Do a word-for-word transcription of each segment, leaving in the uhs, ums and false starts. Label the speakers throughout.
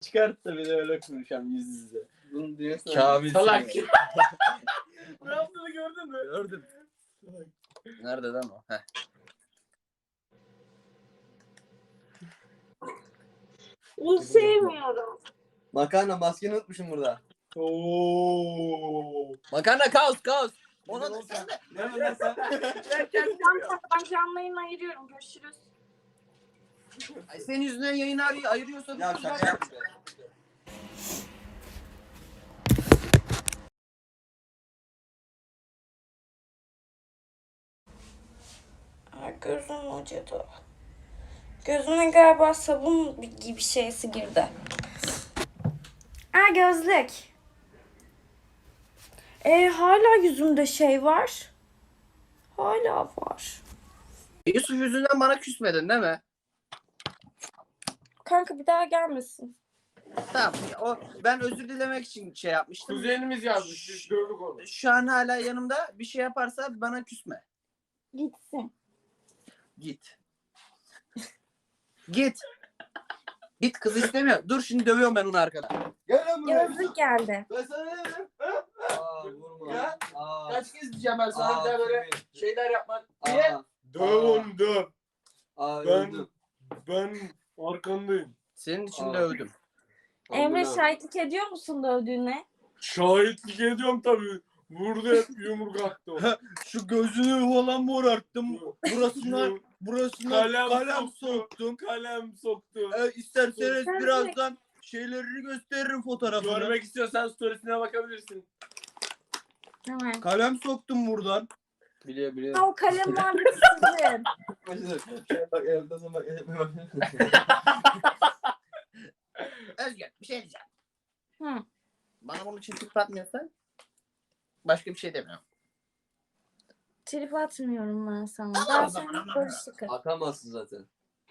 Speaker 1: Çıkart da bir de öyle konuşalım yüz yüze.
Speaker 2: Bunu diyorsun.
Speaker 1: Kamil
Speaker 2: Salak.
Speaker 1: Ne yaptığını gördün mü? Gördüm. Nerede lan o? Heh.
Speaker 3: Bunu sevmiyorum.
Speaker 2: Makarna maskeni unutmuşum burada.
Speaker 1: Oo. Makarna kaos kaos. Ona da sen de.
Speaker 2: Ne lan sen?
Speaker 3: Tamam, ben canlı yayın ayırıyorum. Görüşürüz.
Speaker 1: Ay senin yüzünden yayını ayır- ayırıyorsun.
Speaker 2: Ya şaka yapma.
Speaker 3: Ay, gözüm acıdı. Gözüme galiba sabun gibi şeysi girdi. Aa, gözlük. E, hala yüzümde şey var. Hala var.
Speaker 1: Yusuf yüzünden bana küsmedin değil mi?
Speaker 3: Kanka bir daha gelmesin.
Speaker 1: Tamam. O ben özür dilemek için şey yapmıştım.
Speaker 4: Kuzenimiz yazmış. Biz gördük onu.
Speaker 1: Şu an hala yanımda. Bir şey yaparsa bana küsme.
Speaker 3: Gitsin.
Speaker 1: Git. Git. Git, kız istemiyor. Dur şimdi dövüyorum ben onu arkada.
Speaker 2: Gel lan buraya.
Speaker 3: Gözlük geldi.
Speaker 2: Ben sana ne dedim? Aa vurma.
Speaker 4: Ya.
Speaker 2: Aa.
Speaker 1: Kaç kez diyeceğim ben sana
Speaker 2: Aa,
Speaker 1: bir daha böyle
Speaker 2: tabii.
Speaker 1: şeyler yapmak. Niye?
Speaker 2: Aa.
Speaker 4: Döv onu döv.
Speaker 2: Aa
Speaker 4: Ben,
Speaker 2: öldüm.
Speaker 4: ben arkandayım.
Speaker 1: Senin için
Speaker 2: Aa.
Speaker 1: dövdüm.
Speaker 3: Emre,
Speaker 2: Amına.
Speaker 3: şahitlik ediyor musun dövdüğüne?
Speaker 4: Şahitlik ediyorum tabii. Vurdu hep yumruk attı o.
Speaker 1: Şu gözünü falan morarttım. Burasına burasına
Speaker 4: Kalem
Speaker 1: kalem,
Speaker 4: soktu.
Speaker 1: soktum.
Speaker 4: Kalem soktu.
Speaker 1: Ee, isterseniz
Speaker 3: Sen
Speaker 1: birazdan şeylerini gösteririm fotoğrafını.
Speaker 4: Görmek istiyorsan storiesine bakabilirsin.
Speaker 3: Hemen.
Speaker 1: Kalem soktum buradan.
Speaker 2: Biliyor biliyor.
Speaker 3: Ha, o kalem muhabbeti sizin.
Speaker 2: Şöyle bak evde sonra bak. bak.
Speaker 1: Özgür bir şey diyeceğim.
Speaker 3: Hı.
Speaker 1: Bana bunun için tip atmıyorsan başka bir şey demiyorum.
Speaker 3: Trip atmıyorum ben sana.
Speaker 1: Tamam,
Speaker 3: Ben
Speaker 1: o zaman,
Speaker 3: sana
Speaker 1: ama.
Speaker 3: barışıkım.
Speaker 2: Atamazsın zaten.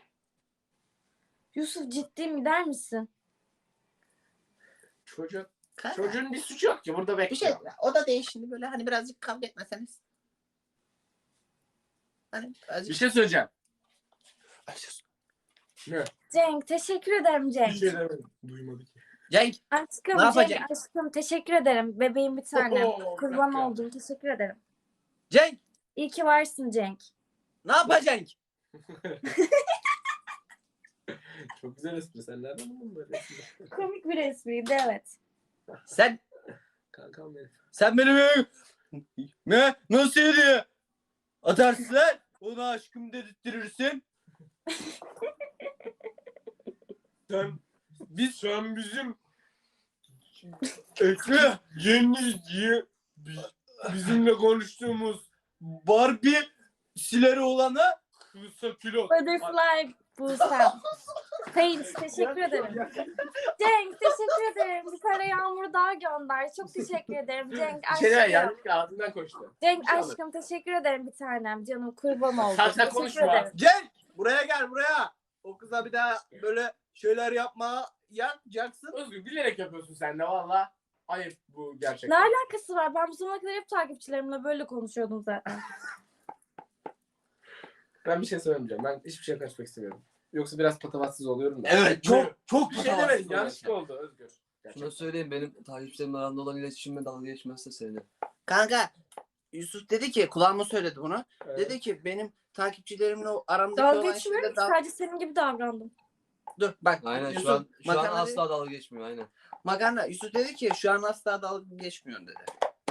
Speaker 3: Yusuf, ciddi mi der misin?
Speaker 4: Çocuk.
Speaker 1: Kanka,
Speaker 4: Çocuğun bir suçu yok ki burada
Speaker 1: bir şey
Speaker 4: bekliyor.
Speaker 1: o da değil şimdi böyle hani birazcık kavga etmeseniz. Hani birazcık...
Speaker 4: Bir şey söyleyeceğim. Ne?
Speaker 3: Cenk, teşekkür ederim
Speaker 4: Bir
Speaker 3: Cenk.
Speaker 4: şey demedim. Duymadı ki.
Speaker 1: Cenk
Speaker 3: Aşkım,
Speaker 1: Ne yapacak?
Speaker 3: Cenk, aşkım teşekkür ederim. Bebeğim bir tane.
Speaker 4: Oo,
Speaker 3: Kurban
Speaker 4: bak ya.
Speaker 3: oldum. Teşekkür ederim.
Speaker 1: Cenk
Speaker 3: İyi ki varsın Cenk.
Speaker 1: ne yapacaksın?
Speaker 4: Çok güzel espri. Sen nereden buldun böyle espri?
Speaker 3: Komik bir espriydi, evet.
Speaker 1: Sen
Speaker 4: Kankam benim.
Speaker 1: sen benim ne nasıl hediye atarsın lan? Ona aşkım dedirtirsin.
Speaker 4: Sen,
Speaker 1: Biz
Speaker 4: sen bizim
Speaker 1: Ekle
Speaker 4: yeni diye bi- bizimle konuştuğumuz
Speaker 1: Barbie sileri olana
Speaker 4: kısa pilot.
Speaker 3: Butterfly Buse'm. Paint, teşekkür ederim. Cenk, teşekkür ederim. Bir tane yağmur daha gönder. Çok teşekkür ederim Cenk
Speaker 4: Bir şey
Speaker 3: aşkım.
Speaker 4: yanlışlıkla ağzından koştu.
Speaker 3: Cenk
Speaker 4: Bir şey olur.
Speaker 3: aşkım teşekkür ederim bir tanem. Canım kurban oldum.
Speaker 4: Sen- sen
Speaker 3: Teşekkür
Speaker 4: konuşma.
Speaker 3: ederim.
Speaker 1: Cenk buraya gel buraya. O kıza bir daha böyle şeyler yapma yapacaksın.
Speaker 4: Özgür bilerek yapıyorsun sen de valla. Ayıp bu
Speaker 3: Ne
Speaker 4: gerçekten.
Speaker 3: alakası var? Ben bu zamana kadar hep takipçilerimle böyle konuşuyordum zaten.
Speaker 4: Ben bir şey söylemeyeceğim. Ben hiçbir şeye karışmak istemiyorum. Yoksa biraz patavatsız oluyorum da.
Speaker 1: Evet çok çok
Speaker 4: Bir şey demedim. Yanlışlıkla oldu Özgür.
Speaker 2: Şunu
Speaker 4: Gerçekten.
Speaker 2: söyleyeyim, benim takipçilerimle aramda olan iletişimime dalga geçmezse sevinirim.
Speaker 1: Kanka Yusuf dedi ki kulağıma söyledi bunu.
Speaker 4: Evet.
Speaker 1: Dedi ki benim takipçilerimle o aramdaki
Speaker 3: Dalga
Speaker 1: olan
Speaker 3: geçmiyorum
Speaker 1: şeyde
Speaker 3: ki,
Speaker 1: dal-
Speaker 3: sadece senin gibi davrandım.
Speaker 1: Dur bak
Speaker 2: Aynen
Speaker 1: Yusuf
Speaker 2: şu an şu an
Speaker 1: makarna
Speaker 2: asla dalga geçmiyor aynen.
Speaker 1: Makarna Yusuf dedi ki şu an asla dalga geçmiyorsun dedi.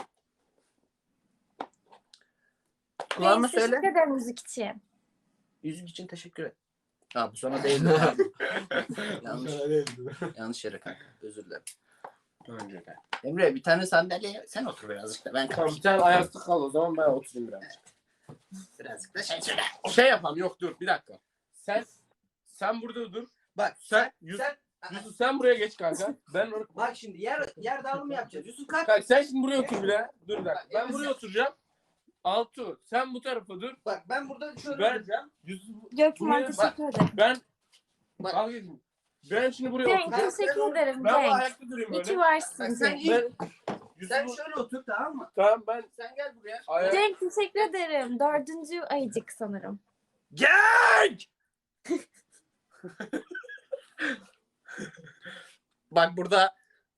Speaker 1: Kulağıma
Speaker 3: Neyse,
Speaker 1: söyle.
Speaker 3: teşekkür ederim müzik için.
Speaker 1: Yüzük için teşekkür et. Ha bu sana değildi. yanlış,
Speaker 4: Sana değildi.
Speaker 1: yanlış yere kanka. Özür dilerim.
Speaker 4: Önce de.
Speaker 1: Emre bir tane sandalye sen otur birazcık da ben
Speaker 4: Tamam bir
Speaker 1: kalkayım.
Speaker 4: tane ayakta kal o zaman ben oturayım biraz.
Speaker 1: Birazcık da şey söyle.
Speaker 4: Şey yapalım yok dur bir dakika. Sen sen burada dur.
Speaker 1: Bak
Speaker 4: Sen
Speaker 1: sen
Speaker 4: Yusuf,
Speaker 1: sen
Speaker 4: Yusuf sen buraya geç kanka. Ben or-
Speaker 1: bak şimdi yer yer dağılımı yapacağız. Yusuf kalk.
Speaker 4: Kanka sen şimdi buraya otur bile. Dur bir dakika. Ben
Speaker 1: Evet,
Speaker 4: buraya
Speaker 1: sen-
Speaker 4: oturacağım. Altu sen bu tarafa dur.
Speaker 1: Bak ben burada şöyle
Speaker 4: Ben-
Speaker 1: duracağım.
Speaker 4: Yusuf
Speaker 3: Gökmen
Speaker 4: Buraya-
Speaker 3: teşekkür ederim.
Speaker 4: ben
Speaker 1: Bak.
Speaker 4: Al gelin. Ben şimdi buraya
Speaker 3: Cenk
Speaker 4: oturacağım.
Speaker 3: teşekkür ederim
Speaker 4: Ben bu
Speaker 3: Cenk.
Speaker 4: ayakta durayım
Speaker 3: İyi ki
Speaker 4: böyle.
Speaker 3: varsın
Speaker 1: Bak, sen
Speaker 3: Cenk.
Speaker 1: iyi-
Speaker 4: Ben
Speaker 1: Sen
Speaker 4: Yusuf
Speaker 1: şöyle otur tamam mı?
Speaker 4: tamam ben
Speaker 1: Sen gel buraya.
Speaker 4: ayak
Speaker 3: Cenk teşekkür ederim. Dördüncü ayıcık sanırım.
Speaker 1: Gel!
Speaker 4: Bak burada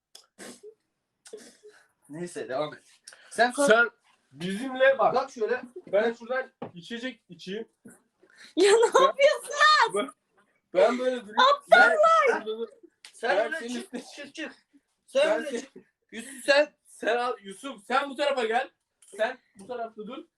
Speaker 1: Neyse devam et. Sen kalk.
Speaker 4: sen bizimle bak.
Speaker 1: Kalk şöyle.
Speaker 4: Ben şuradan içecek içeyim.
Speaker 3: Ya ne yapıyorsun?
Speaker 4: Ben böyle durayım. Aptallar.
Speaker 1: Sen
Speaker 4: Ben
Speaker 1: öyle
Speaker 4: senin
Speaker 1: çık
Speaker 4: üstüne-
Speaker 1: çık çık. Sen
Speaker 4: Ben
Speaker 1: öyle
Speaker 4: sen-
Speaker 1: çık. Yusuf sen.
Speaker 4: Sen al Yusuf sen bu tarafa gel. Sen bu tarafta dur.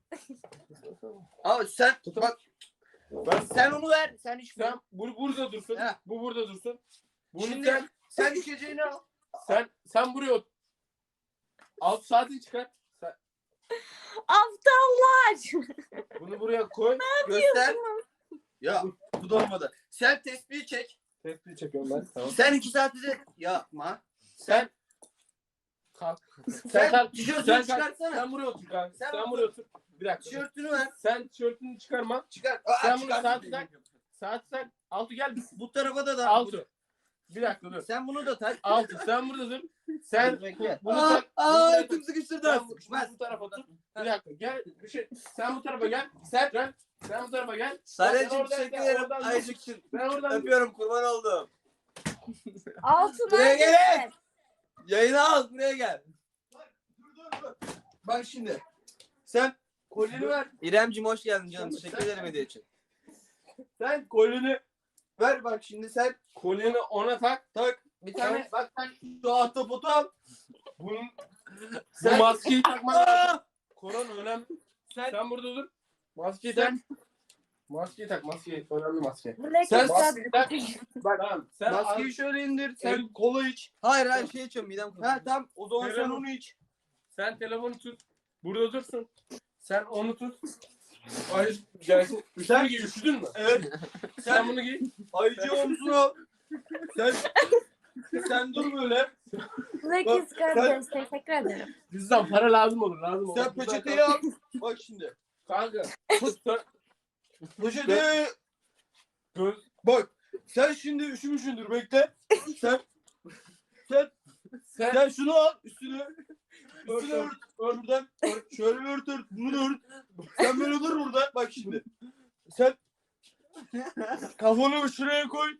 Speaker 1: Abi sen
Speaker 4: Tutun.
Speaker 1: bak.
Speaker 4: Ben
Speaker 1: Sen onu ver. Sen iç.
Speaker 4: sen bu burada dursun.
Speaker 1: Heh.
Speaker 4: Bu burada dursun. Bunu
Speaker 1: Şimdi
Speaker 4: sen
Speaker 1: sen içeceğini al.
Speaker 4: sen sen buraya ot. Alt saati çıkar. Sen
Speaker 3: Aptallar.
Speaker 4: bunu buraya koy.
Speaker 1: Göster. Ya bu da olmadı. Sen tespihi çek.
Speaker 4: Tespih çekiyorum ben. Tamam.
Speaker 1: Sen iki saatte de yapma.
Speaker 4: Sen kalk.
Speaker 1: Sen,
Speaker 4: Sen kalk.
Speaker 1: tişörtünü
Speaker 4: Sen kalk.
Speaker 1: çıkartsana.
Speaker 4: Sen buraya otur kanka.
Speaker 1: Sen
Speaker 4: Sen,
Speaker 1: otur.
Speaker 4: buraya otur. Bir dakika.
Speaker 1: Tişörtünü ver.
Speaker 4: Sen tişörtünü çıkarma.
Speaker 1: Çıkar. Aa,
Speaker 4: Sen bunu
Speaker 1: çıkar.
Speaker 4: saat tak. Saat tak. Altı gel.
Speaker 1: Bu tarafa da da.
Speaker 4: Altı. Bir dakika dur.
Speaker 1: Sen bunu da tak.
Speaker 4: Altı. Sen burada dur. Sen
Speaker 1: Bekle.
Speaker 4: bunu
Speaker 1: Aa,
Speaker 4: tak.
Speaker 1: aa,
Speaker 4: Bunu
Speaker 1: etim
Speaker 4: tak.
Speaker 1: sıkıştırdı.
Speaker 4: Sen bu, şunu bu tarafa tut. Bir dakika gel. Bir şey. Sen bu tarafa gel. Sen gel. Sen bu tarafa gel. Sen
Speaker 1: Sarıcığım
Speaker 4: oradan-
Speaker 1: teşekkür
Speaker 4: sen
Speaker 1: ederim.
Speaker 4: oradan dur.
Speaker 1: Ayşıkçım.
Speaker 4: Sen oradan
Speaker 1: Öpüyorum, kurban oldum.
Speaker 3: Altın
Speaker 1: Buraya gelin.
Speaker 3: neredesin?
Speaker 1: Yayını al, buraya gel. Bak şimdi. Sen kolyeni ver. İremciğim hoş geldin canım. Teşekkür ederim hediye için.
Speaker 4: sen kolini
Speaker 1: Ver bak şimdi sen
Speaker 4: kolini ona tak.
Speaker 1: tak. Bir tane
Speaker 4: Sen, bak sen
Speaker 1: şu ahtapotu al.
Speaker 4: bunun
Speaker 1: Sen-
Speaker 4: bu maskeyi takman lazım.
Speaker 1: Aa!
Speaker 4: Korona önemli.
Speaker 1: Sen
Speaker 4: Sen burada dur. Maskeyi
Speaker 1: Sen-
Speaker 4: tak. Maskeyi tak. Maskeyi. Önemli maske.
Speaker 3: Black
Speaker 1: Sen-
Speaker 3: Sabbath.
Speaker 4: Bak. Tamam. Sen
Speaker 1: maskeyi şöyle indir. Sen
Speaker 4: Evet.
Speaker 1: kola iç. Hayır hayır şey içiyorum midem kalktı. Ha tamam o zaman sen
Speaker 4: Telefon-
Speaker 1: onu iç.
Speaker 4: Sen telefonu tut. Burada dursun. Sen onu tut. Ay gelsin. Üstünü giy. Üşüdün mü?
Speaker 1: Evet.
Speaker 4: Sen
Speaker 1: Sen
Speaker 4: bunu giy.
Speaker 1: ayıcı omzunu al. Sen sen dur böyle.
Speaker 3: Black
Speaker 1: Bak,
Speaker 3: is Kardeş. Teşekkür ederim.
Speaker 4: Bizden para lazım olur. Lazım olur.
Speaker 1: Sen peçeteyi al. Bak şimdi.
Speaker 4: Kanka. Sen
Speaker 1: Peçeteyi
Speaker 4: göz.
Speaker 1: bak. Sen şimdi üşümüşsündür bekle. Sen sen
Speaker 4: Sen
Speaker 1: sen şunu al üstüne.
Speaker 4: ört,
Speaker 1: Üstüne
Speaker 4: ört.
Speaker 1: ört. Buradan ört. Şöyle bir ört ört. Bunu da ört. Sen böyle dur burada. Bak şimdi. Sen kafanı şuraya koy.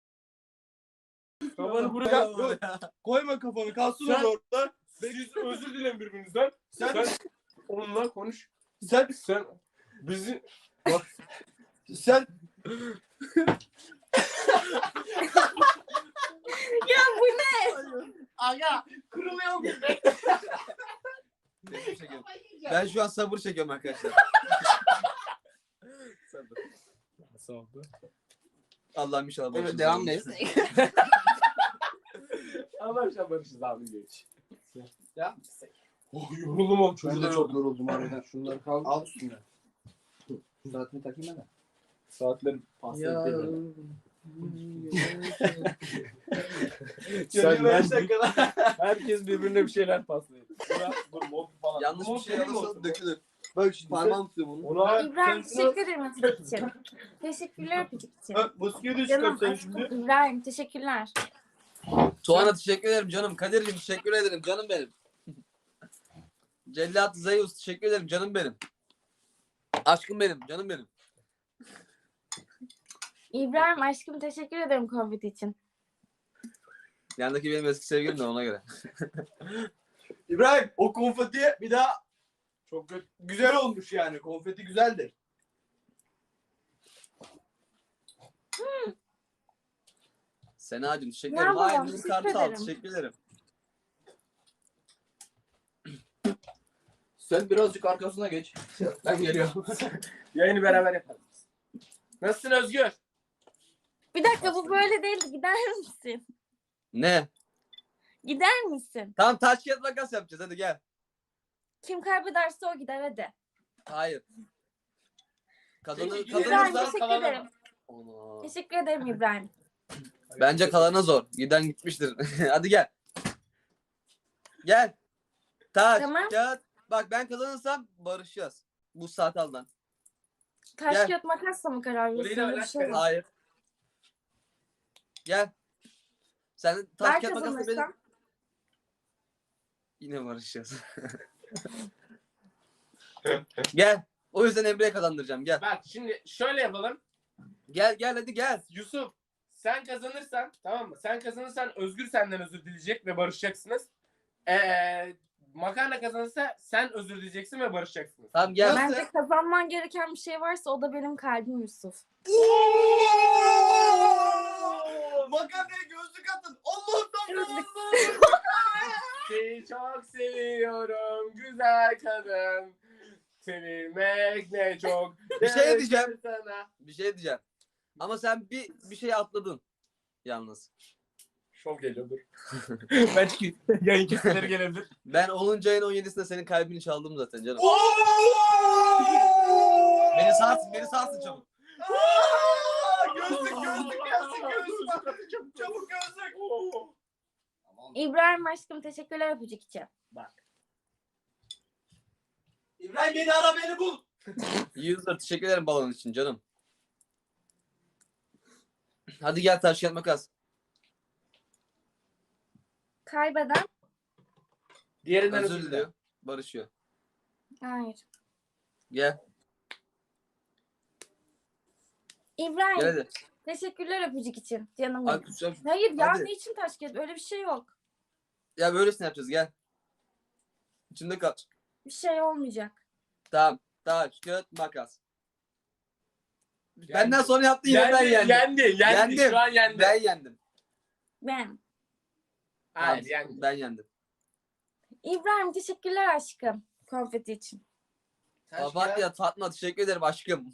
Speaker 4: Kafanı buraya
Speaker 1: Koy. Koyma kafanı. Kalsın
Speaker 4: Sen-
Speaker 1: o orada.
Speaker 4: Siz özür dileyin birbirinizden.
Speaker 1: Sen
Speaker 4: Sen onunla konuş.
Speaker 1: sen
Speaker 4: Sen bizi
Speaker 1: sen
Speaker 3: Ya bu ne?
Speaker 1: aga kırılıyorum. Ben şu an sabır çekiyorum arkadaşlar.
Speaker 4: Nasıl oldu?
Speaker 1: Allah'ım inşallah
Speaker 2: Evet,
Speaker 1: başınıza
Speaker 2: devam
Speaker 1: gelmesin.
Speaker 4: Arkadaşlar barışız abi geç. Ya. Oh yoruldum oğlum.
Speaker 2: Ben de
Speaker 4: Çocuklar
Speaker 2: çok yoruldum harbiden. Şunları kaldı.
Speaker 1: Al üstüne.
Speaker 2: Saatini takayım ben de.
Speaker 4: saatleri paslayıp
Speaker 1: Sen
Speaker 4: Sen
Speaker 1: beş
Speaker 4: ben
Speaker 1: dakikada.
Speaker 4: herkes birbirine bir şeyler paslayın. Bırak, bu mod falan.
Speaker 1: Yanlış bir
Speaker 4: Mod
Speaker 1: şey
Speaker 4: benim
Speaker 1: alırsan
Speaker 4: olsun.
Speaker 1: dökülür. Bak şimdi parmağım tutuyor bunu.
Speaker 4: Ona
Speaker 3: İbrahim
Speaker 4: sen şunu-
Speaker 3: teşekkür ederim öpücük için. Teşekkürler öpücük için.
Speaker 1: Bak maskeyi de
Speaker 3: Canım
Speaker 1: çıkart sen
Speaker 3: aşkım
Speaker 1: şimdi.
Speaker 3: İbrahim teşekkürler.
Speaker 1: Tuana teşekkür ederim canım. Kadir'cim teşekkür ederim canım benim. Cellat Zayus teşekkür ederim canım benim. Aşkım benim canım benim.
Speaker 3: İbrahim aşkım teşekkür ederim Covid için.
Speaker 1: Yandaki benim eski sevgilim de ona göre. İbrahim o konfeti bir daha
Speaker 4: çok kötü.
Speaker 1: güzel olmuş yani. Konfeti güzeldir. Senacığım teşekkür
Speaker 3: Ne
Speaker 1: ederim.
Speaker 3: yapalım,
Speaker 1: Hayır,
Speaker 3: teşekkür
Speaker 1: kartı al.
Speaker 3: ederim.
Speaker 1: Teşekkür ederim.
Speaker 2: Sen birazcık arkasına geç. Ben geliyorum.
Speaker 4: Yayını beraber yaparız. Nasılsın Özgür?
Speaker 3: Bir dakika bu böyle değil gider misin?
Speaker 1: Ne?
Speaker 3: Gider misin?
Speaker 1: Tamam taş kağıt makas yapacağız hadi gel.
Speaker 3: Kim kaybederse o gider hadi.
Speaker 1: Hayır. Kazanı,
Speaker 4: Peki,
Speaker 3: İbrahim
Speaker 1: kazanırsa
Speaker 3: teşekkür
Speaker 4: kalanı-
Speaker 3: ederim.
Speaker 1: Ana.
Speaker 3: Teşekkür ederim İbrahim.
Speaker 1: Bence kalana zor. Giden gitmiştir. Hadi gel. Gel. Taş,
Speaker 3: Tamam.
Speaker 1: kağıt. Bak ben kazanırsam barışacağız. Bu saat aldan.
Speaker 3: Taş
Speaker 1: Gel.
Speaker 3: kağıt makasla mı karar
Speaker 4: Burayı da
Speaker 3: veriyorsun? Öyle bir
Speaker 4: alak
Speaker 3: şey
Speaker 4: verin.
Speaker 3: var.
Speaker 1: Hayır. Gel. Sen taş
Speaker 3: Ben
Speaker 1: kağıt makasla
Speaker 3: kazanırsam
Speaker 1: benim. Yine barışacağız. Gel. O yüzden Emre'ye kazandıracağım. Gel.
Speaker 4: Bak şimdi şöyle yapalım.
Speaker 1: Gel gel hadi gel.
Speaker 4: Yusuf sen kazanırsan, tamam mı? Sen kazanırsan Özgür senden özür dileyecek ve barışacaksınız. Ee, makarna kazanırsa sen özür dileyeceksin ve barışacaksınız.
Speaker 2: Tamam gel.
Speaker 3: Bence kazanman gereken bir şey varsa o da benim kalbim Yusuf.
Speaker 1: Makarnaya gözlük atın. Allah'ım
Speaker 3: Gözlük.
Speaker 4: Seni çok seviyorum güzel kadın. Sevilmek ne çok.
Speaker 2: Bir şey diyeceğim.
Speaker 4: Sana.
Speaker 2: Bir şey diyeceğim. Ama sen bir bir şey atladın. Yalnız.
Speaker 4: Şov geliyor dur. Ben çıkayım. Yayın kesimleri gelebilir.
Speaker 2: Ben onuncu ayın on yedisinde senin kalbini çaldım zaten canım. Beni sağsın, beni sağsın çabuk.
Speaker 1: Gözlük gözlük gelsin gözlük. Çabuk çabuk gözlük.
Speaker 3: İbrahim aşkım teşekkürler öpücük için.
Speaker 1: İbrahim beni ara beni bul.
Speaker 2: User teşekkür ederim balon için canım. Hadi gel taş kağıt makas.
Speaker 3: Kaybeden?
Speaker 4: Diğerinden
Speaker 2: Özür
Speaker 4: özür
Speaker 2: diliyor.
Speaker 4: diliyor.
Speaker 2: Barışıyor.
Speaker 3: Hayır.
Speaker 2: Gel.
Speaker 3: İbrahim
Speaker 2: Gel hadi.
Speaker 3: teşekkürler öpücük için canım.
Speaker 2: Hadi
Speaker 3: benim.
Speaker 2: kusacağım.
Speaker 3: Hayır ya
Speaker 2: Hadi.
Speaker 3: ne için taş kağıt? Öyle bir şey yok.
Speaker 2: Ya böylesine yapacağız gel. İçimde kal.
Speaker 3: Bir şey olmayacak.
Speaker 2: Tamam. Taş kağıt makas. Benden sonra yaptın yine ben
Speaker 4: Yendi,
Speaker 2: yendim.
Speaker 4: yendi, yendi.
Speaker 2: Yendim.
Speaker 4: Şu an yendi.
Speaker 2: Ben yendim.
Speaker 3: Ben.
Speaker 4: Hayır,
Speaker 2: Tamam,
Speaker 4: yendi.
Speaker 2: Ben yendim.
Speaker 3: İbrahim teşekkürler aşkım. Konfeti için.
Speaker 2: Papatya Fatma teşekkür ederim aşkım.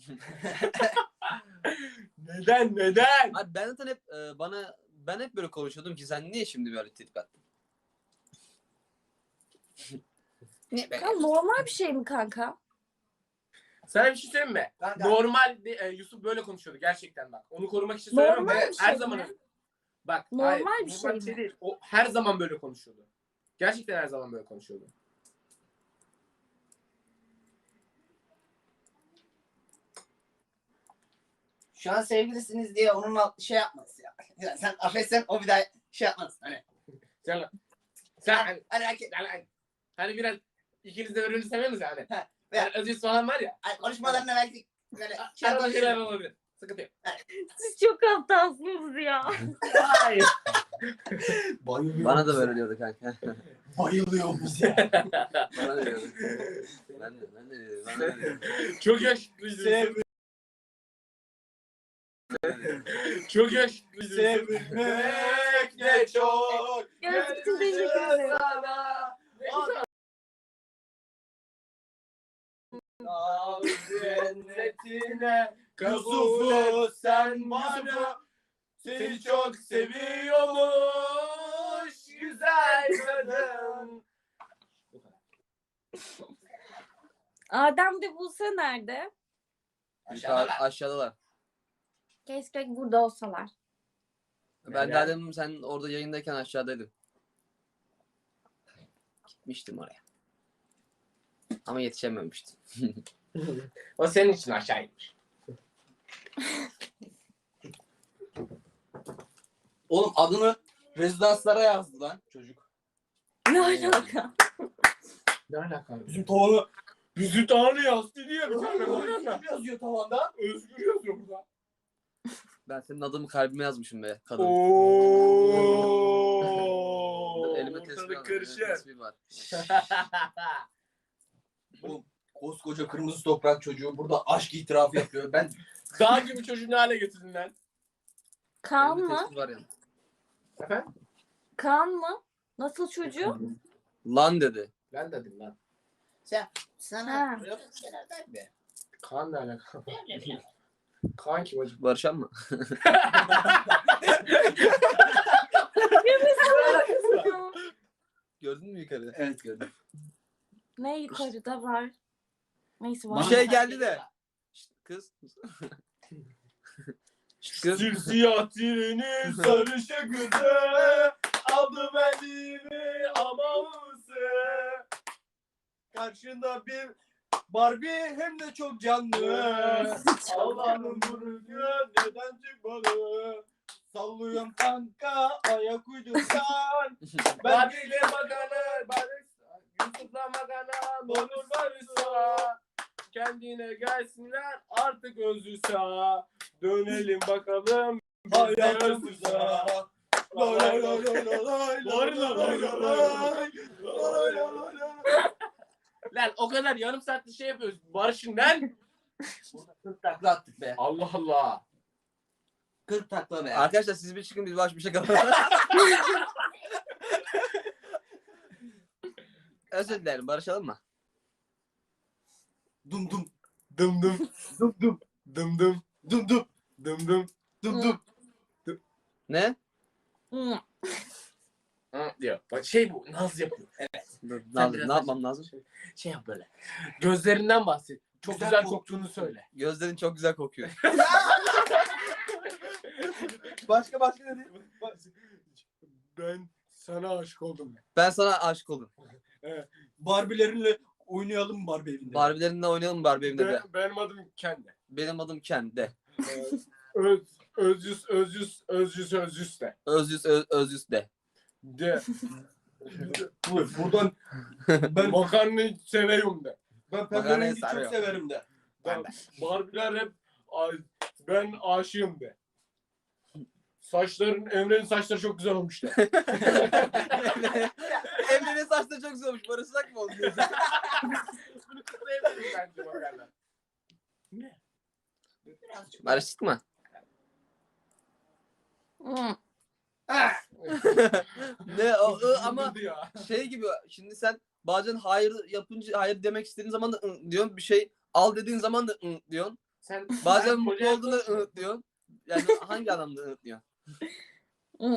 Speaker 4: Neden, neden?
Speaker 2: Abi ben zaten hep e, bana ben hep böyle konuşuyordum ki sen niye şimdi böyle tepki attın? Niye
Speaker 3: Ya normal bir şey mi kanka?
Speaker 4: Sana bir şey söyleyeyim mi?
Speaker 1: Kanka.
Speaker 4: Normal e, Yusuf böyle konuşuyordu gerçekten bak. Onu korumak için söylemiyorum.
Speaker 3: Normal
Speaker 4: ve
Speaker 3: bir şey
Speaker 4: her
Speaker 3: mi?
Speaker 4: zaman bak
Speaker 3: Normal
Speaker 4: hayır,
Speaker 3: bir
Speaker 4: normal
Speaker 3: şey mi?
Speaker 4: değil. O her zaman böyle konuşuyordu. Gerçekten her zaman böyle konuşuyordu.
Speaker 1: Şu an sevgilisiniz diye onunla şey yapmaz ya. Ya sen affetsen o bir daha şey yapmaz. Hani.
Speaker 4: Sen sen hani,
Speaker 1: Hani erkek.
Speaker 4: hani, hani biraz ikiniz de birbirini seviyorsunuz ya hani.
Speaker 1: Ha,
Speaker 4: Yani Özgür falan var ya.
Speaker 1: Hani konuşmalarına belki böyle şey
Speaker 4: Arada şeyler
Speaker 1: yapabilir.
Speaker 4: olabilir. Sıkıntı yok.
Speaker 3: Siz çok aptalsınız ya.
Speaker 4: Hayır.
Speaker 1: Bayılıyor.
Speaker 2: Bana da böyle diyordu kanka.
Speaker 1: Bayılıyor bize.
Speaker 2: Bana da diyordu. Ben de ben de diyorum. Bana da diyordu.
Speaker 4: Çok yakışıklıydı.
Speaker 1: Sev-
Speaker 4: Çok yakışıklıydı.
Speaker 1: Sevmek ne çok.
Speaker 3: Gözlük için teşekkür ederim.
Speaker 4: Cennetine kabul
Speaker 1: Yusuf'u
Speaker 4: et sen bana. Seni çok seviyormuş güzel kadın.
Speaker 3: Adem de Buse nerede?
Speaker 2: Yukarı, aşağıdalar.
Speaker 3: Keşke burada olsalar.
Speaker 2: Ben
Speaker 4: Neden?
Speaker 2: daha demin sen orada yayındayken aşağıdaydın. Gitmiştim oraya. Ama yetişememiştim.
Speaker 4: O senin için aşağıymış.
Speaker 1: Oğlum adını rezidanslara yazdı lan çocuk.
Speaker 3: Ne alaka?
Speaker 4: Ne alaka?
Speaker 1: Bizim tavanı
Speaker 4: Bizi tanrı yazdı diye bir tane var.
Speaker 1: Özgür yazıyor tavanda.
Speaker 4: Özgür yazıyor burada.
Speaker 2: Ben senin adımı kalbime yazmışım be kadın.
Speaker 4: Ooo.
Speaker 2: Elime tesbih
Speaker 4: Ortalık
Speaker 2: var. Elime
Speaker 4: karışır.
Speaker 2: tesbih var.
Speaker 1: Oğlum koskoca kırmızı toprak çocuğu burada aşk itirafı yapıyor. Ben
Speaker 4: Dağ gibi çocuğu ne hale getirdin lan?
Speaker 3: Kaan
Speaker 2: Elime
Speaker 3: mı?
Speaker 2: tesbih var yani.
Speaker 4: Efendim?
Speaker 3: Kaan mı? Nasıl çocuğu?
Speaker 2: Lan dedi.
Speaker 4: Ben dedim lan.
Speaker 1: sen sana
Speaker 3: Ha.
Speaker 1: böyle şeyler der be.
Speaker 4: Kaan ne alaka? Kaan kim hocam?
Speaker 2: Barışan mı? Gördün mü yukarı?
Speaker 1: Evet gördüm.
Speaker 3: Ne yukarıda var? Neyse var.
Speaker 2: Bir şey geldi de. Şşt, kız. Şşt, kız.
Speaker 4: Simsiyah treni sarışık kızı aldı elimi amalısı.
Speaker 1: Karşında bir Barbie hem de çok canlı. Allah'ın burcu neden çıkmadı? Sallıyorum kanka ayak uydursan. Ben
Speaker 4: Babiyle bakanı barış. Yusuf'la makana olur barışsa. Kendine gelsinler artık özü sağ. Dönelim bakalım.
Speaker 1: Hayatım güzel. Lay lay lay lay lay lay
Speaker 4: Lay lay lay lay lay.
Speaker 1: lay lay lay.
Speaker 4: Lan o kadar yarım saattir şey yapıyoruz. Barış'ın lan.
Speaker 1: kırk takla attık be.
Speaker 4: Allah Allah.
Speaker 1: kırk takla be.
Speaker 2: Arkadaşlar siz bir çıkın biz baş bir şey kapatalım. Özür dilerim barışalım mı?
Speaker 1: Dum dum
Speaker 4: Dım dım.
Speaker 1: dum dum
Speaker 4: Dım dım.
Speaker 1: dum dum
Speaker 4: Dım dım.
Speaker 1: dum dum.
Speaker 2: Ne?
Speaker 3: Hı.
Speaker 4: Hı diyor. Bak şey bu. Naz yapıyor.
Speaker 2: Dur,
Speaker 1: Sen
Speaker 2: Nazım,
Speaker 1: biraz
Speaker 2: ne
Speaker 1: aç.
Speaker 2: yapmam lazım?
Speaker 4: Şey yap böyle. Gözlerinden bahset. Çok
Speaker 1: Güzel
Speaker 4: güzel,
Speaker 1: koktuğunu
Speaker 4: koktuğunu söyle.
Speaker 2: Gözlerin çok güzel kokuyor.
Speaker 1: Başka başka ne diyeyim?
Speaker 4: Ben sana aşık oldum.
Speaker 2: Ben sana aşık oldum.
Speaker 1: Barbilerinle oynayalım mı Barbie evinde?
Speaker 2: Barbie'lerinle oynayalım mı Barbie evinde de?
Speaker 4: Ben, benim adım Kendi.
Speaker 2: Benim adım Ken de.
Speaker 4: Öz, özcüs, özcüs, özcüs, özcüs de.
Speaker 2: Özyüz öz, özyüz de.
Speaker 4: De.
Speaker 1: Bu- Buradan ben
Speaker 4: Makarnayı seviyorum de.
Speaker 1: ben
Speaker 2: Makarnayı
Speaker 1: pemberengi çok
Speaker 2: sarıyorum.
Speaker 1: severim de.
Speaker 4: Ben, Barbiler hep "Ay, ben aşığım de. Saçların, Emre'nin saçları çok güzel olmuş de.
Speaker 2: Emre'nin saçları çok güzel olmuş. Barışsak mı oldu?
Speaker 4: Bunu kutlayabilirim bence makarna. Ne?
Speaker 2: Barıştık mı?
Speaker 3: Hı.
Speaker 2: Ne o ı, ama
Speaker 4: Kızdırdı ya.
Speaker 2: şey gibi şimdi sen bazen hayır yapınca hayır demek istediğin zaman da ı diyorsun. Bir şey al dediğin zaman da ı diyorsun.
Speaker 4: Sen
Speaker 2: Bazen
Speaker 4: sen
Speaker 2: mutlu
Speaker 4: koca-
Speaker 2: olduğunda ı diyorsun. Yani hangi anlamda ı diyorsun?
Speaker 3: Hı.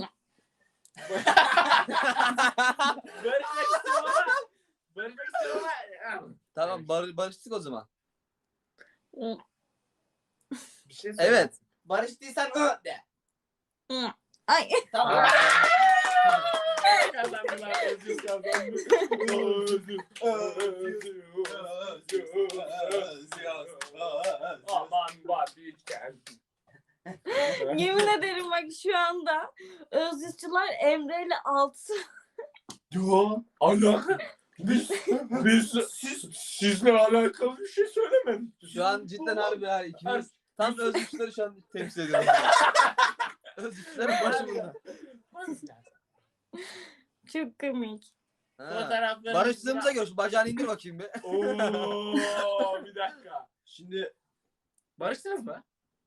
Speaker 4: Barışmak istiyorum ama. Barışmak istiyorum ama.
Speaker 2: Tamam bar barıştık o zaman.
Speaker 3: Hı.
Speaker 4: Bir şey söyle.
Speaker 2: Evet.
Speaker 1: Barıştıysan ö de.
Speaker 3: Hı. Ay.
Speaker 1: Tamam.
Speaker 4: Kazandılar, özür kazandı. Özür, özür. Aman vazgeçken.
Speaker 3: Yemin ederim bak şu anda Özgürçüler Emre ile Altı.
Speaker 4: Yo, alaka. Biz, biz siz, sizle alakalı bir şey söylemedik.
Speaker 2: Şu an cidden harbi ya ikimiz tam özgürlükleri şu an temsil ediyoruz. Özgürlüklerin başı burada.
Speaker 3: Çok komik.
Speaker 2: Ha.
Speaker 4: Fotoğraflarını-
Speaker 2: Barıştığımıza göre şu bacağını indir bakayım bir.
Speaker 4: Oo, bir dakika.
Speaker 1: Şimdi
Speaker 4: Barıştınız mı?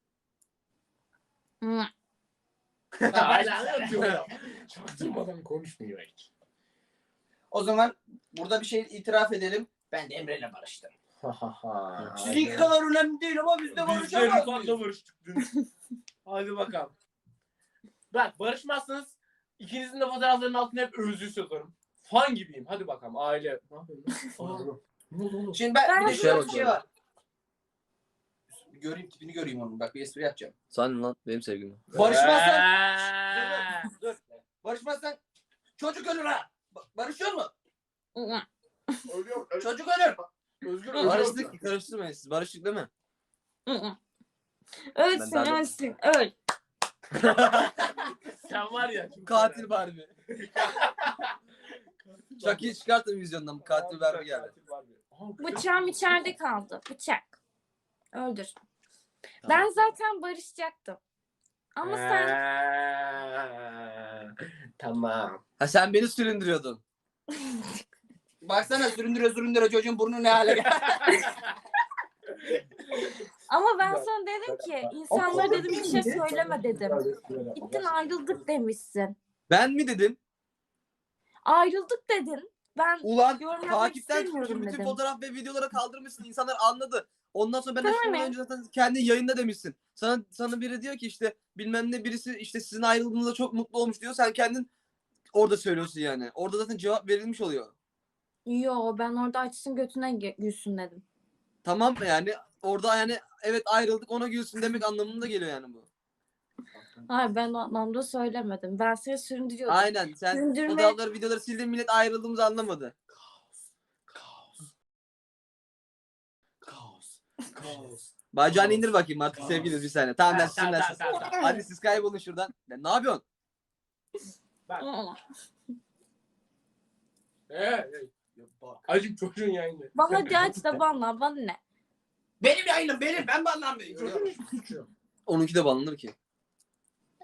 Speaker 3: Hı.
Speaker 4: Hala anlatıyor ya. Çaktırmadan konuşmuyor hiç.
Speaker 1: o zaman burada bir şey itiraf edelim. Ben de Emre'yle barıştım. Sizinki kadar önemli değil ama biz de
Speaker 4: Biz de
Speaker 1: barışamaz
Speaker 4: Rıfat'la
Speaker 1: mıyız?
Speaker 4: barıştık dün. Hadi bakalım. Bak barışmazsanız ikinizin de fotoğraflarının altına hep özlü yazarım. Fan gibiyim. Hadi bakalım aile. Ne yapıyorsun? Aa, ne oldu oğlum?
Speaker 1: Şimdi ben,
Speaker 3: Ben-
Speaker 1: bir de şöyle bir
Speaker 2: Şey
Speaker 1: şey var. Bir göreyim tipini göreyim onun. Bak bir espri yapacağım.
Speaker 2: Sen lan benim sevgilim.
Speaker 1: Barışmazsan
Speaker 4: Eee.
Speaker 1: dur. Barışmazsan çocuk ölür ha. Ba- Barışıyor mu?
Speaker 3: Hı.
Speaker 4: Ölüyor. Ö-
Speaker 1: Çocuk ölür.
Speaker 4: Özgür ölüyor.
Speaker 2: Barıştık karıştırmayın siz. Barıştık değil mi?
Speaker 3: Hı. Ölsün
Speaker 2: Ben daha-
Speaker 3: ölsün öl.
Speaker 4: Sen var ya. kim
Speaker 2: Katil
Speaker 4: var
Speaker 2: Barbie.
Speaker 4: ya?
Speaker 2: Chucky'yi çıkartın vizyondan. Bu katil Barbie geldi.
Speaker 4: Katil Barbie. Aha,
Speaker 3: Bıçağım içeride kaldı. Bıçak. Öldür. Ben zaten barışacaktım. Ama sen
Speaker 4: Eee, Tamam.
Speaker 2: Ha sen beni süründürüyordun.
Speaker 1: Baksana süründüre süründüre çocuğun burnu ne hale geldi.
Speaker 3: ama ben sana dedim ki insanlara dedim bir şey söyleme dedim. Gittin ayrıldık demişsin.
Speaker 2: Ben mi dedim?
Speaker 3: Ayrıldık dedin. Ben
Speaker 2: Ulan
Speaker 3: yorum yapmak
Speaker 2: takipten
Speaker 3: istemiyorum
Speaker 2: çıktın. Bütün
Speaker 3: dedim.
Speaker 2: fotoğraf ve videoları kaldırmışsın. İnsanlar anladı. Ondan sonra ben de
Speaker 3: Tamam
Speaker 2: şundan
Speaker 3: ya.
Speaker 2: önce zaten kendi yayında demişsin. Sana sana biri diyor ki işte bilmem ne birisi işte sizin ayrıldığınızda çok mutlu olmuş diyor. Sen kendin orada söylüyorsun yani. Orada zaten cevap verilmiş oluyor.
Speaker 3: Yo ben orada açsın götüne gü- gülsün dedim.
Speaker 2: Tamam mı yani? Orada yani evet ayrıldık ona gülsün demek anlamında geliyor yani bu.
Speaker 3: Hayır ben o anlamda söylemedim. Ben seni süründürüyordum.
Speaker 2: Aynen sen
Speaker 3: Süründürme-
Speaker 2: fotoğrafları videoları sildin millet ayrıldığımızı anlamadı.
Speaker 4: Kaos. Kaos. Kaos.
Speaker 2: Bacağını indir bakayım artık sevgiliyiz bir saniye. Tamam ben
Speaker 4: Ha, tamam,
Speaker 2: sizinle.
Speaker 4: tamam, tamam.
Speaker 2: Hadi siz kaybolun şuradan. Ya, ne yapıyorsun?
Speaker 3: Aa,
Speaker 4: Ee, acım çocuğun yayını.
Speaker 3: Bana hadi aç da bana bana ne?
Speaker 1: Benim yayınım benim. Ben banlanmayayım.
Speaker 2: Onunki de banlanır ki.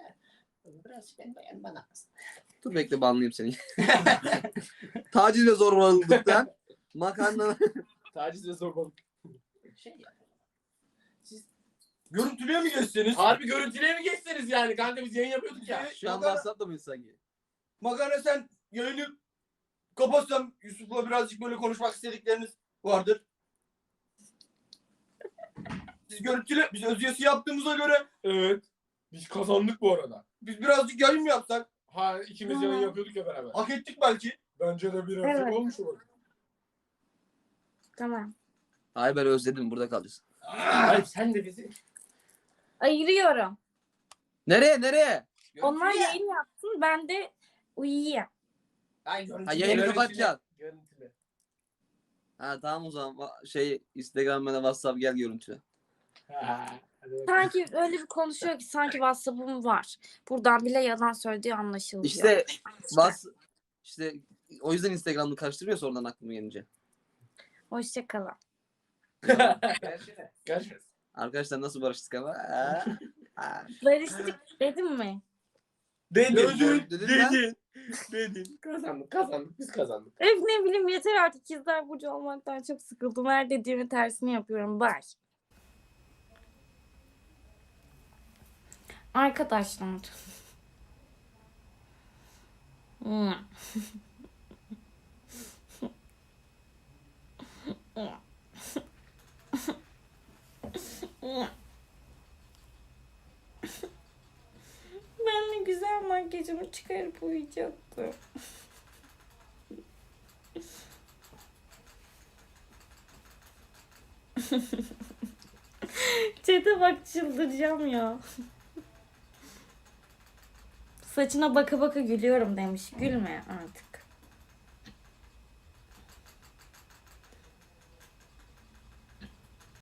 Speaker 1: Biraz ben beğen bana.
Speaker 2: Dur bekle banlayayım seni. Taciz ve zorbalıktan makarna.
Speaker 4: Taciz ve zorbalık.
Speaker 1: Şey ya. Siz görüntülüye mi geçseniz?
Speaker 4: Harbi görüntüye mi geçseniz yani? Kanka biz yayın yapıyorduk ya.
Speaker 2: Şu an
Speaker 1: Makarna-
Speaker 2: WhatsApp'ta mıyız sanki?
Speaker 1: Makarna sen yayını kapatsam Yusuf'la birazcık böyle konuşmak istedikleriniz vardır. Siz görüntüle, biz özgesi yaptığımıza göre
Speaker 4: Evet. Biz kazandık bu arada.
Speaker 1: biz birazcık yayın mı yapsak?
Speaker 4: Ha ikimiz
Speaker 3: Hı.
Speaker 4: yayın yapıyorduk ya beraber.
Speaker 1: Hak ettik belki.
Speaker 4: Bence de bir
Speaker 3: Evet.
Speaker 4: evet. olmuş olur.
Speaker 3: Tamam.
Speaker 2: Hayır ben özledim, burada kalacağız.
Speaker 4: Hayır sen de bizi.
Speaker 3: Ayırıyorum.
Speaker 2: Nereye nereye?
Speaker 3: Onlar
Speaker 1: Görüntülüye.
Speaker 3: yayın yapsın, ben de uyuyayım.
Speaker 1: Ay, görüntülüye.
Speaker 2: Ha yayını
Speaker 4: Görüntülü.
Speaker 2: kapatacaksın.
Speaker 4: Görüntülü.
Speaker 2: Ha tamam o zaman Va- şey Instagram'da WhatsApp gel görüntüle.
Speaker 4: Ha, hadi bakalım.
Speaker 3: Sanki öyle bir konuşuyor ki sanki WhatsApp'ım var. Buradan bile yalan söylediği anlaşılıyor.
Speaker 2: İşte Whats işte o yüzden Instagram'da karıştırmıyor sonradan aklıma gelince.
Speaker 3: Hoşçakalın.
Speaker 1: Görüşürüz.
Speaker 4: Görüşürüz.
Speaker 2: Arkadaşlar nasıl barıştık ama? Aa, aa.
Speaker 3: Barıştık dedim mi?
Speaker 4: Dedin.
Speaker 2: Dedin,
Speaker 4: Dedin.
Speaker 2: dedin lan.
Speaker 4: Dedin. Dedin. Kazandık kazandık. Biz kazandık.
Speaker 3: Öf ne bileyim yeter artık. İkizler Burcu olmaktan çok sıkıldım. Her dediğimi tersini yapıyorum. Bye. Arkadaşlar. Hmm. Ben de güzel makyajımı çıkarıp uyuyacaktım. Çete bak çıldıracağım ya. Saçına baka baka gülüyorum demiş. Gülme artık.